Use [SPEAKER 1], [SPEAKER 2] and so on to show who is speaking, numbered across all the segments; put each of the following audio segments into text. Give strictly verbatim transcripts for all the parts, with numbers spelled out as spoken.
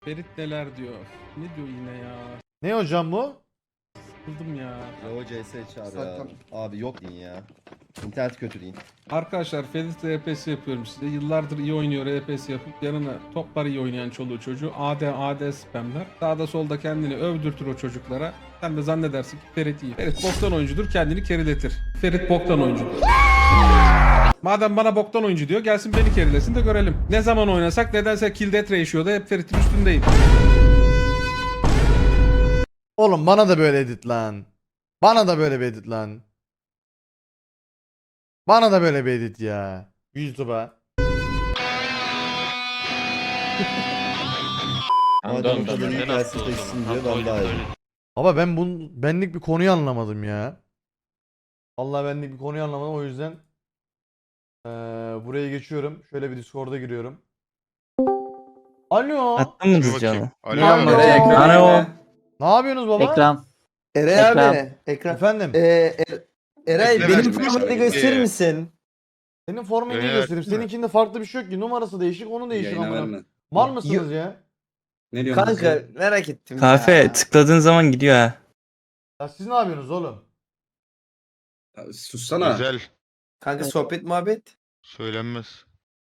[SPEAKER 1] Ferit neler diyor? Ne diyor yine ya?
[SPEAKER 2] Ne hocam bu?
[SPEAKER 1] Sıkıldım ya.
[SPEAKER 3] Yo C S çağır ya.
[SPEAKER 4] Zaten-
[SPEAKER 3] Abi yok deyin ya. İnternet kötü deyin.
[SPEAKER 1] Arkadaşlar Ferit R P S yapıyorum size. Yıllardır iyi oynuyor R P S yapıp yanına toplar iyi oynayan çoluğu çocuğu. A D A D spamler. Sağda solda kendini övdürtür o çocuklara. Sen de zannedersin ki Ferit iyi. Ferit boktan oyuncudur, kendini keriletir. Ferit boktan oyuncudur. Madem bana boktan oyuncu diyor, gelsin beni kerilesin de görelim. Ne zaman oynasak nedense kill death ratio'da hep Ferit'in üstündeyim.
[SPEAKER 2] Oğlum bana da böyle edit lan. Bana da böyle bir edit lan. Bana da böyle bir edit ya. YouTube'a.
[SPEAKER 3] Madem kadın gelsin teşsin diyor ben daha iyi.
[SPEAKER 2] Ama ben bun benlik bir konuyu anlamadım ya. Vallahi benlik bir konuyu anlamadım, o yüzden eee buraya geçiyorum. Şöyle bir Discord'a giriyorum. Alo.
[SPEAKER 5] Attın mı
[SPEAKER 6] Dur
[SPEAKER 5] dizcanı?
[SPEAKER 6] bakayım.
[SPEAKER 2] Ne
[SPEAKER 6] Alo.
[SPEAKER 2] yapıyorsun?
[SPEAKER 4] Ekran, ekran,
[SPEAKER 5] Alo.
[SPEAKER 4] ekran.
[SPEAKER 2] Ne yapıyorsunuz baba?
[SPEAKER 5] Ekran.
[SPEAKER 4] Eray
[SPEAKER 5] Ekran.
[SPEAKER 4] abi. Ekran.
[SPEAKER 2] Efendim.
[SPEAKER 4] Ee, Er- Eray
[SPEAKER 6] Ekran
[SPEAKER 4] benim
[SPEAKER 6] açmış.
[SPEAKER 4] formatı gösterir
[SPEAKER 6] Ee,
[SPEAKER 4] misin?
[SPEAKER 2] Senin formatını
[SPEAKER 6] Evet.
[SPEAKER 2] göstereyim. Seninkinde farklı bir şey yok ki. Numarası değişik, onu değişik
[SPEAKER 7] Yayına
[SPEAKER 2] amına.
[SPEAKER 7] verme.
[SPEAKER 2] Mal mısınız ya?
[SPEAKER 7] Ne diyorsun?
[SPEAKER 4] Kanka merak ettim
[SPEAKER 5] Kahve
[SPEAKER 4] ya.
[SPEAKER 5] tıkladığın zaman gidiyor ha.
[SPEAKER 2] Ya siz ne yapıyorsunuz oğlum?
[SPEAKER 7] Ya, sussana.
[SPEAKER 6] Güzel.
[SPEAKER 4] Kanka sohbet muhabbet.
[SPEAKER 6] Söylenmez.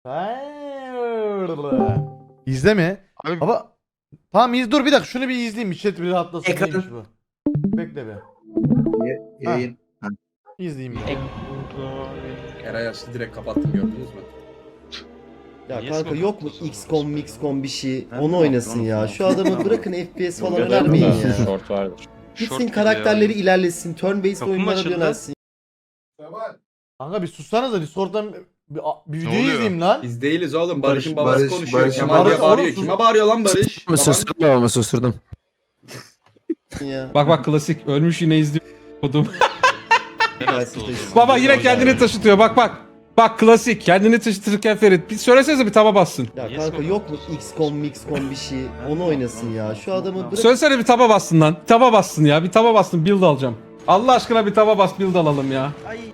[SPEAKER 2] İzle mi?
[SPEAKER 6] Abi
[SPEAKER 2] Baba tamam iz dur bir dakika şunu bir izleyeyim. Chat bir rahatlasın.
[SPEAKER 4] Ekran-
[SPEAKER 2] Neymiş bu? Bekle be.
[SPEAKER 7] Yayın.
[SPEAKER 2] İzleyeyim bir.
[SPEAKER 7] Eray açtı direkt kapattım, gördünüz mü?
[SPEAKER 3] Ya
[SPEAKER 6] Niye
[SPEAKER 3] kanka
[SPEAKER 6] sonra
[SPEAKER 3] yok mu
[SPEAKER 6] yaptın
[SPEAKER 3] X COM, Mix COM bir şey?
[SPEAKER 7] Ben
[SPEAKER 3] Onu
[SPEAKER 7] de
[SPEAKER 3] oynasın
[SPEAKER 7] yaptım,
[SPEAKER 3] ya.
[SPEAKER 7] onu
[SPEAKER 3] Şu
[SPEAKER 7] yaptım.
[SPEAKER 3] adamı bırakın F P S falan
[SPEAKER 6] Yok,
[SPEAKER 3] önermeyin
[SPEAKER 6] yok,
[SPEAKER 3] ya.
[SPEAKER 5] Short vardır.
[SPEAKER 3] Gitsin
[SPEAKER 6] Short
[SPEAKER 3] karakterleri
[SPEAKER 6] gibi
[SPEAKER 3] ilerlesin. Turn based
[SPEAKER 6] Kapı mı
[SPEAKER 3] oyunlara
[SPEAKER 6] açıldı?
[SPEAKER 3] yönelsin.
[SPEAKER 2] Kanka bir sussanız da Discord'dan bir, bir video
[SPEAKER 6] oluyor?
[SPEAKER 2] izleyeyim lan.
[SPEAKER 7] Biz değiliz oğlum. Barış'ın
[SPEAKER 4] Barış-
[SPEAKER 7] babası
[SPEAKER 4] Barış-
[SPEAKER 7] konuşuyor.
[SPEAKER 4] Barış-
[SPEAKER 7] Kemal
[SPEAKER 2] Barış-
[SPEAKER 7] diye bağırıyor.
[SPEAKER 2] Oğlum,
[SPEAKER 7] Kime bağırıyor lan Barış? Baban-
[SPEAKER 8] Susturdum babamı susturdum.
[SPEAKER 3] Ya.
[SPEAKER 1] Bak bak klasik. Ölmüş yine izliyor. Kodum.
[SPEAKER 3] Gelsin teşsin.
[SPEAKER 1] Baba yine kendini taşıtıyor. Bak bak. Bak klasik. Kendini taşıtırken Ferit. Bir söylesenize bir taba bassın.
[SPEAKER 3] Ya kanka yok mu X COM, Mix COM bir şey? Onu oynasın ya. Şu adamı bırak.
[SPEAKER 1] Söylesene bir taba bassın lan. Bir taba bassın ya. Bir taba bassın. Build alacağım. Allah aşkına bir taba bas build alalım ya.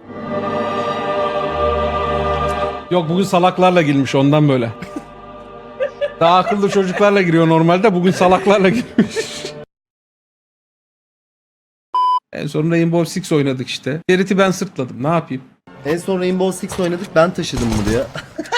[SPEAKER 1] Yok bugün salaklarla girmiş ondan böyle. Daha akıllı çocuklarla giriyor normalde. Bugün salaklarla girmiş. En son Rainbow Six oynadık işte. Ferit'i ben sırtladım. Ne yapayım?
[SPEAKER 3] En son Rainbow Six oynadık, ben taşıdım buraya.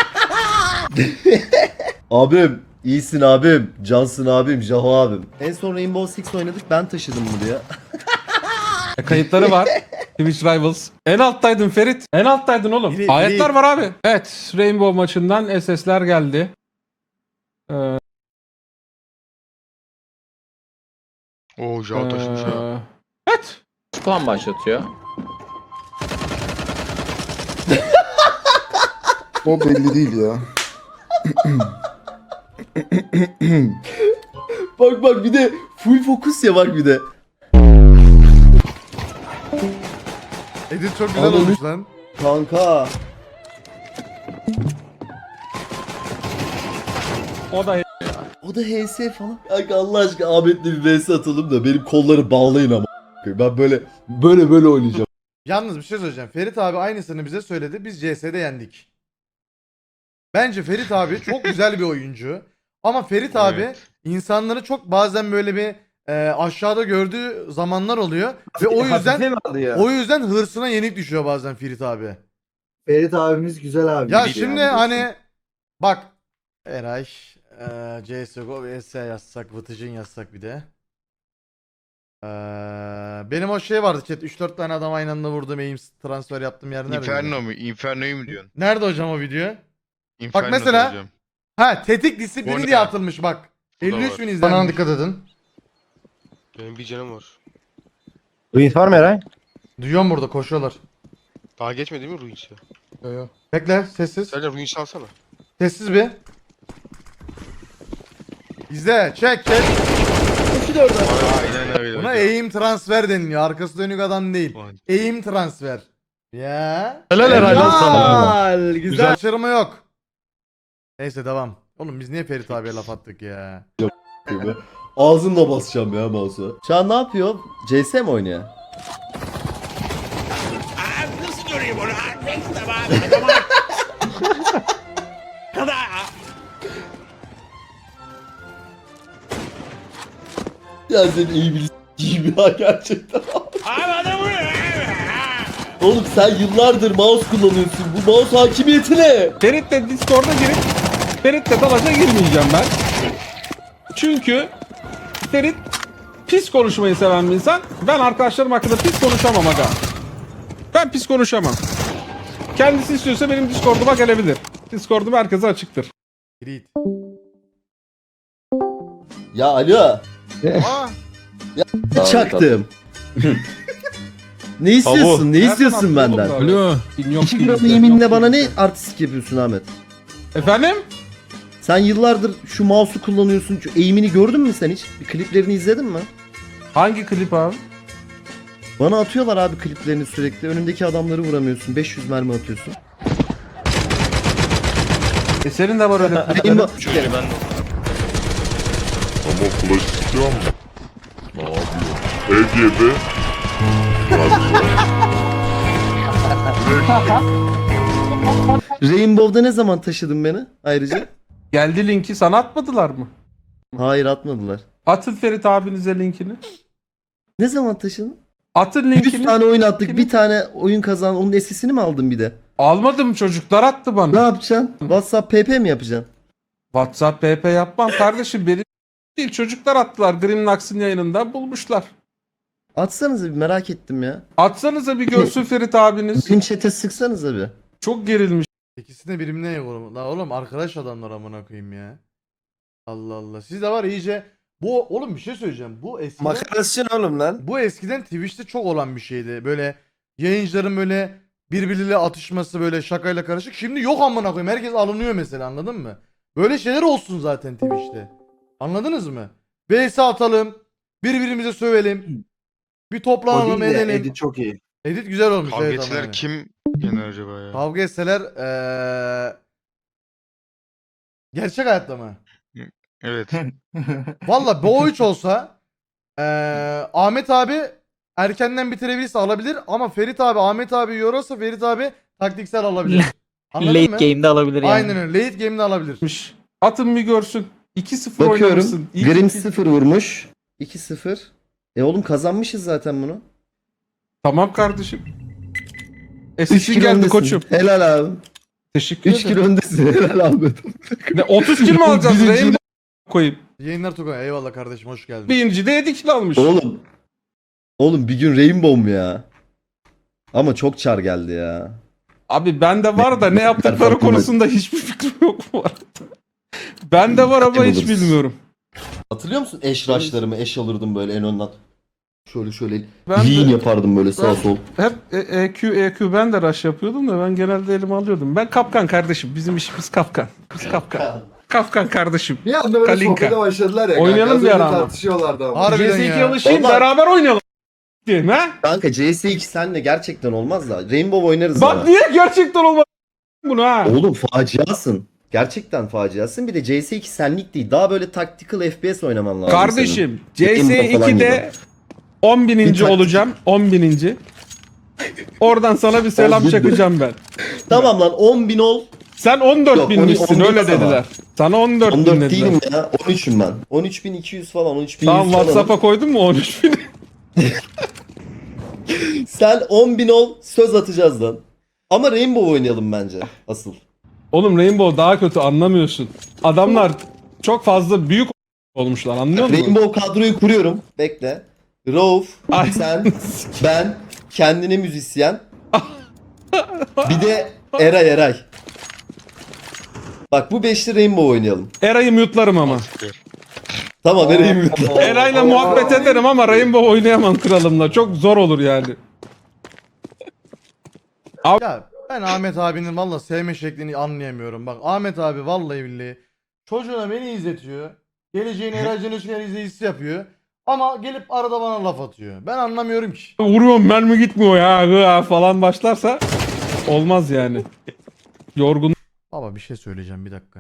[SPEAKER 3] Abim iyisin abim. Cansın abim. Jaho abim. En son Rainbow Six oynadık, ben taşıdım buraya.
[SPEAKER 1] E, kayıtları var. Twitch Rivals. En alttaydın Ferit. En alttaydın oğlum.
[SPEAKER 2] Biri-
[SPEAKER 1] Ayetler
[SPEAKER 2] biri-
[SPEAKER 1] var abi. Evet. Rainbow maçından S S'ler geldi. Ee,
[SPEAKER 6] Oo Jao taşımış ha.
[SPEAKER 1] ee, evet.
[SPEAKER 8] Spam başlatıyor.
[SPEAKER 4] O belli değil ya.
[SPEAKER 3] Bak bak bir de full fokus ya, bak bir de.
[SPEAKER 2] Edit çok güzel
[SPEAKER 3] Anladım.
[SPEAKER 2] olmuş lan.
[SPEAKER 3] Kanka.
[SPEAKER 1] O da
[SPEAKER 3] O da H S falan. Kanka Allah aşkına Ahmet'le bir V S atalım da benim kolları bağlayın ama. Ben böyle böyle böyle oynayacağım.
[SPEAKER 2] Yalnız bir şey söyleyeceğim. Ferit abi aynısını bize söyledi. Biz C S'de yendik. Bence Ferit abi çok güzel bir oyuncu. Ama Ferit abi
[SPEAKER 6] Evet.
[SPEAKER 2] insanları çok bazen böyle bir e, aşağıda gördüğü zamanlar oluyor. Ve o yüzden
[SPEAKER 4] Hafife mi alıyor?
[SPEAKER 2] o yüzden hırsına yenik düşüyor bazen Ferit abi.
[SPEAKER 4] Ferit abimiz güzel abi.
[SPEAKER 2] Ya
[SPEAKER 6] Değil
[SPEAKER 2] şimdi
[SPEAKER 4] yani.
[SPEAKER 2] hani bak Eray e, C S G O ve S yazsak, Vıtıcın yazsak bir de. E, benim o şey vardı chat, üç dört tane adam aynı anda vurdum, aim transfer yaptım yer nerede?
[SPEAKER 6] Inferno mu? Inferno'yu mu diyorsun?
[SPEAKER 2] Nerede hocam o video?
[SPEAKER 6] Inferno
[SPEAKER 2] mesela-
[SPEAKER 6] söyleyeceğim.
[SPEAKER 2] Ha tetik disiplini
[SPEAKER 6] Orada.
[SPEAKER 2] diye atılmış bak.
[SPEAKER 6] Bu da
[SPEAKER 2] elli üç
[SPEAKER 6] var.
[SPEAKER 2] bin izlenmiş. Bana dikkat edin.
[SPEAKER 6] Benim bir canım var.
[SPEAKER 8] Ruin var mı Eray?
[SPEAKER 2] Duyuyorum burada koşuyorlar.
[SPEAKER 6] Daha geçmedi mi Ruins'e?
[SPEAKER 2] Yo, yo. Bekle sessiz.
[SPEAKER 6] Sadece Ruins'i alsana.
[SPEAKER 2] Sessiz bir. İzle çek çek.
[SPEAKER 6] Aynen öyle.
[SPEAKER 2] Buna
[SPEAKER 6] hocam.
[SPEAKER 2] aim transfer deniliyor. Arkası dönük adam değil.
[SPEAKER 6] Ulan,
[SPEAKER 2] Aim transfer. Ya.
[SPEAKER 1] Helal herhalde sana.
[SPEAKER 3] Güzel, güzel.
[SPEAKER 2] Güzel kaçırma yok. Neyse devam. Oğlum biz niye Ferit abiye laf attık ya?
[SPEAKER 3] Ağzımla basacağım ya mouse'a. Şu an ne yapıyor? C S mi oynuyor? Ya senin eğimini s**eyim ya gerçekten. Oğlum sen yıllardır mouse kullanıyorsun. Bu mouse hakimiyeti ne?
[SPEAKER 1] Ferit'le Discord'a girip Ferit'le dalaşa girmeyeceğim ben. Çünkü Ferit pis konuşmayı seven bir insan. Ben arkadaşlarım hakkında pis konuşamam aga. Ben pis konuşamam. Kendisi istiyorsa benim Discord'uma gelebilir. Discord'um herkese açıktır.
[SPEAKER 2] Grit.
[SPEAKER 3] Ya alo. Çaktım. Ne istiyorsun? Ne istiyorsun benden?
[SPEAKER 1] Alo. Yok,
[SPEAKER 3] iki gram yeminle bana ne artistik yapıyorsun Ahmet?
[SPEAKER 1] Efendim?
[SPEAKER 3] Sen yıllardır şu mouse'u kullanıyorsun. Şu eğimini gördün mü sen hiç? Bir kliplerini izledin mi?
[SPEAKER 1] Hangi klip abi?
[SPEAKER 3] Bana atıyorlar abi kliplerini sürekli. Önündeki adamları vuramıyorsun. beş yüz mermi atıyorsun.
[SPEAKER 1] E senin de var öyle.
[SPEAKER 3] Benim
[SPEAKER 5] Ama flash istiyor mu? Ne yapıyor? Ege'de
[SPEAKER 3] Rainbow'da ne zaman taşıdın beni ayrıca?
[SPEAKER 1] Geldi linki sana atmadılar mı?
[SPEAKER 3] Hayır atmadılar.
[SPEAKER 1] Atın Ferit abinize linkini.
[SPEAKER 3] Ne zaman taşıdın?
[SPEAKER 1] Atın
[SPEAKER 3] yüz
[SPEAKER 1] linkini.
[SPEAKER 3] tane oyun attık. Bir tane oyun kazan. Onun esisini mi aldın bir de?
[SPEAKER 1] Almadım, çocuklar attı
[SPEAKER 3] Ne
[SPEAKER 1] bana.
[SPEAKER 3] yapacaksın? WhatsApp P P mi yapacaksın?
[SPEAKER 1] WhatsApp P P yapmam kardeşim, benim değil, çocuklar attılar. Grimnax'ın yayınında bulmuşlar.
[SPEAKER 3] Atsanıza bir, merak ettim ya.
[SPEAKER 1] Atsanıza bir görsün Ferit abiniz.
[SPEAKER 3] Bizim chat'e sıksanıza bir.
[SPEAKER 1] Çok gerilmiş.
[SPEAKER 2] İkisi de birbirine yok oğlum. La oğlum arkadaş adamlar amına koyayım ya. Allah Allah. Siz de var ya iyice bu oğlum bir şey söyleyeceğim. Bu eskiden
[SPEAKER 4] Makarasın oğlum lan.
[SPEAKER 2] bu eskiden Twitch'te çok olan bir şeydi. Böyle yayıncıların böyle birbiriyle atışması böyle şakayla karışık. Şimdi yok amına koyayım. Herkes alınıyor mesela, anladın mı? Böyle şeyler olsun zaten Twitch'te. Anladınız mı? V S atalım. Birbirimize sövelim. Bir toplanalım edelim. Edit,
[SPEAKER 4] çok iyi.
[SPEAKER 2] güzel olmuş.
[SPEAKER 6] Kavga
[SPEAKER 2] evet ama
[SPEAKER 6] etseler
[SPEAKER 2] yani.
[SPEAKER 6] kim yener acaba ya?
[SPEAKER 2] Kavga etseler eee gerçek hayatta mı?
[SPEAKER 6] Evet.
[SPEAKER 2] Valla bu üç olsa eee Ahmet abi erkenden bitirebilirse alabilir ama Ferit abi Ahmet abi yorarsa Ferit abi taktiksel alabilir. Anladın
[SPEAKER 9] Late
[SPEAKER 2] mı?
[SPEAKER 9] game'de alabilir yani.
[SPEAKER 2] Aynen öyle. Late game'de alabilir.
[SPEAKER 1] Atın bir görsün. iki sıfır oynamışsın. İlk
[SPEAKER 3] Grim
[SPEAKER 1] iki-
[SPEAKER 3] sıfır vurmuş. iki sıfır. E oğlum kazanmışız zaten bunu.
[SPEAKER 1] Tamam kardeşim.
[SPEAKER 3] üç
[SPEAKER 1] Esesin
[SPEAKER 3] kilo
[SPEAKER 1] geldi
[SPEAKER 3] öndesin.
[SPEAKER 1] koçum.
[SPEAKER 3] Helal abi.
[SPEAKER 1] Teşekkür
[SPEAKER 3] üç
[SPEAKER 1] ederim.
[SPEAKER 3] kilo öndesin. Helal abi.
[SPEAKER 1] Ne, otuz kilo mu alacağız?
[SPEAKER 3] Birinci-
[SPEAKER 1] Rainbow koyayım.
[SPEAKER 2] Yayınlar Tugay. Eyvallah kardeşim, hoş geldin.
[SPEAKER 1] Birinci de yedi kilo almış.
[SPEAKER 3] Oğlum. Oğlum bir gün Rainbow mu ya? Ama çok çar geldi ya.
[SPEAKER 1] Abi bende var da ne yaptıkları
[SPEAKER 3] Farkındayım.
[SPEAKER 1] konusunda hiçbir fikrim yok bu arada. Bende var ama hiç
[SPEAKER 3] Buluruz.
[SPEAKER 1] bilmiyorum.
[SPEAKER 3] Hatırlıyor musun eş rush'larımı? Eş alırdım böyle en önden. Şöyle şöyle
[SPEAKER 1] Ben
[SPEAKER 3] lean
[SPEAKER 1] de
[SPEAKER 3] yapardım böyle sağ
[SPEAKER 1] Ben-
[SPEAKER 3] sol.
[SPEAKER 1] hep E- EQ EQ ben de rush yapıyordum da ben genelde elime alıyordum. Ben kapkan kardeşim. Bizim işimiz kapkan. Biz kapkan. Kapkan kardeşim.
[SPEAKER 4] Bir anda böyle
[SPEAKER 1] Kalinka.
[SPEAKER 4] sohbete başladılar ya.
[SPEAKER 1] Oynayalım
[SPEAKER 4] kanka. Az
[SPEAKER 1] bir
[SPEAKER 4] önce
[SPEAKER 1] ara ama.
[SPEAKER 4] tartışıyorlardı ama.
[SPEAKER 2] Harbiden
[SPEAKER 1] C S iki'ye
[SPEAKER 2] ya.
[SPEAKER 1] alışayım,
[SPEAKER 3] Vallahi-
[SPEAKER 1] beraber oynayalım. Diyeyim ha?
[SPEAKER 3] Kanka C S iki senle gerçekten olmaz da. Rainbow oynarız
[SPEAKER 1] Bak
[SPEAKER 3] ama.
[SPEAKER 1] niye gerçekten olmaz bunu ha?
[SPEAKER 3] Oğlum faciasın. Gerçekten faciasın. Bir de C S iki senlik değil. Daha böyle tactical F P S oynaman lazım senin.
[SPEAKER 1] Kardeşim C S
[SPEAKER 3] Rainbow falan
[SPEAKER 1] iki'de on bininci
[SPEAKER 3] Bir taktik-
[SPEAKER 1] olacağım. on bininci. Oradan sana bir selam
[SPEAKER 3] On bin.
[SPEAKER 1] çakacağım ben.
[SPEAKER 3] Tamam lan on bin ol.
[SPEAKER 1] Sen on dört
[SPEAKER 3] Yok,
[SPEAKER 1] binmişsin
[SPEAKER 3] on- on
[SPEAKER 1] öyle
[SPEAKER 3] dört ama.
[SPEAKER 1] dediler. Sana on dört
[SPEAKER 3] on
[SPEAKER 1] bin
[SPEAKER 3] dört
[SPEAKER 1] dediler.
[SPEAKER 3] değilim ya. on üçüm ben. on üç bin iki yüz falan. on üç bin yüz
[SPEAKER 1] Tamam
[SPEAKER 3] falan.
[SPEAKER 1] WhatsApp'a koydun mu on üç bini?
[SPEAKER 3] Sen on bin ol. Söz atacağız lan. Ama Rainbow oynayalım bence. Asıl.
[SPEAKER 1] Oğlum Rainbow daha kötü, anlamıyorsun. Adamlar çok fazla büyük olmuşlar, anlıyor musun?
[SPEAKER 3] Rainbow kadroyu kuruyorum. Bekle. Rauf,
[SPEAKER 1] Ay.
[SPEAKER 3] sen, ben, kendine müzisyen. Bir de Eray Eray. Bak bu beşli Rainbow oynayalım.
[SPEAKER 1] Eray'ı mute'larım ama.
[SPEAKER 3] Tamam Eray'ı mutlu.
[SPEAKER 1] Eray'la muhabbet ederim ama Rainbow oynayamam kralımla. Çok zor olur yani.
[SPEAKER 2] Ya ben Ahmet abinin valla sevme şeklini anlayamıyorum. Bak Ahmet abi vallahi billahi çocuğuna beni izletiyor. Geleceğin Eraycan Özgen izleyicisi yapıyor. Ama gelip arada bana laf atıyor. Ben anlamıyorum ki.
[SPEAKER 1] Vuruyorum, mermi gitmiyor ya hıa falan başlarsa olmaz yani. Yorgun.
[SPEAKER 2] Baba bir şey söyleyeceğim, bir dakika.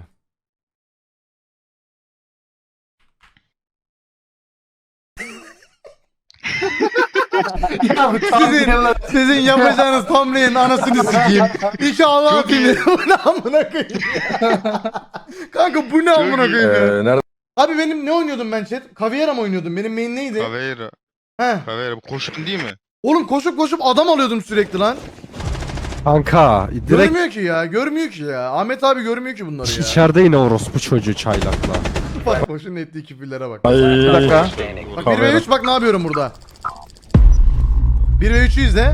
[SPEAKER 2] Ya sizin, sizin yapacağınız thumbnail'in anasını sikeyim. İki Allah atayım. Bu ne amına koyayım ya? Kanka bu ne amına koyayım ya?
[SPEAKER 8] Ee, nerede
[SPEAKER 2] Abi benim ne oynuyordum ben chat? Caviera mı oynuyordum? Benim main neydi?
[SPEAKER 6] Caveira.
[SPEAKER 2] He.
[SPEAKER 6] Caveira. Bu koşun değil mi?
[SPEAKER 2] Oğlum koşup koşup adam alıyordum sürekli lan.
[SPEAKER 9] Kanka direkt
[SPEAKER 2] Görmüyor ki ya. Görmüyor ki ya. Ahmet abi görmüyor ki bunları ya.
[SPEAKER 9] içeride yine orospu çocuğu çaylakla.
[SPEAKER 2] Bak koşun ettiği küfürlere bak.
[SPEAKER 9] Bir dakika.
[SPEAKER 2] Bak bir ve üç bak ne yapıyorum burada. bir ve üçü izle.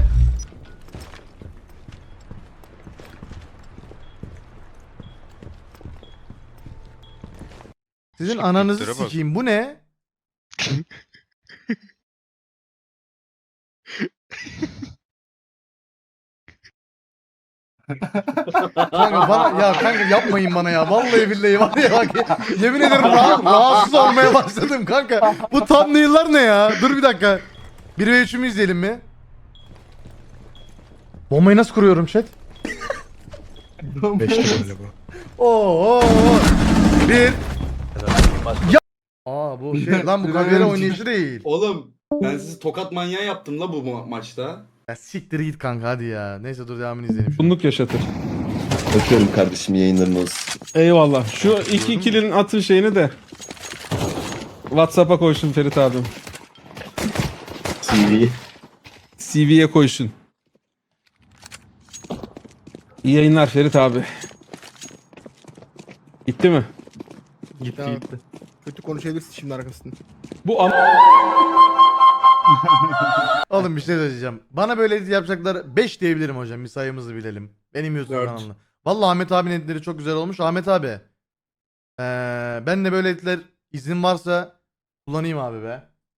[SPEAKER 2] Sizin
[SPEAKER 6] Şu
[SPEAKER 2] ananızı
[SPEAKER 6] tiplere bak.
[SPEAKER 2] sikeyim. Bu ne? Kanka bana ya kanka yapmayın bana ya. Vallahi billahi var ya bak. Yemin ederim ra- rahatsız olmaya başladım kanka. Bu thumbnail'lar ne ya? Dur bir dakika. bir ve üçümü izleyelim mi? Bombayı nasıl kuruyorum chat? Oo. Bir. Ya. Aa bu şey lan bu kaviyara oynayışı değil.
[SPEAKER 7] Oğlum ben sizi tokat manyağı yaptım la bu ma- maçta.
[SPEAKER 2] Ya siktir git kanka hadi ya. Neyse dur devamını izleyelim.
[SPEAKER 1] Bunluk yaşatır.
[SPEAKER 3] Öpüyorum kardeşim yayınların olsun.
[SPEAKER 1] Eyvallah. Şu iki ikilinin atın şeyini de WhatsApp'a koysun Ferit abim.
[SPEAKER 3] T V.
[SPEAKER 1] C V'ye koysun. İyi yayınlar Ferit abi. Gitti mi?
[SPEAKER 9] Gitti gitti.
[SPEAKER 10] Kötü konuşabilirsin şimdi arkasında.
[SPEAKER 1] Bu am
[SPEAKER 2] Oğlum bir şey söyleyeceğim. Bana böyle edit yapacaklar beş diyebilirim hocam. Bir sayımızı bilelim. Benim YouTube
[SPEAKER 7] Dört.
[SPEAKER 2] kanalımda. Vallahi Ahmet abinin editleri çok güzel olmuş. Ahmet abi. Ee, ben de böyle editler izin varsa kullanayım abi be.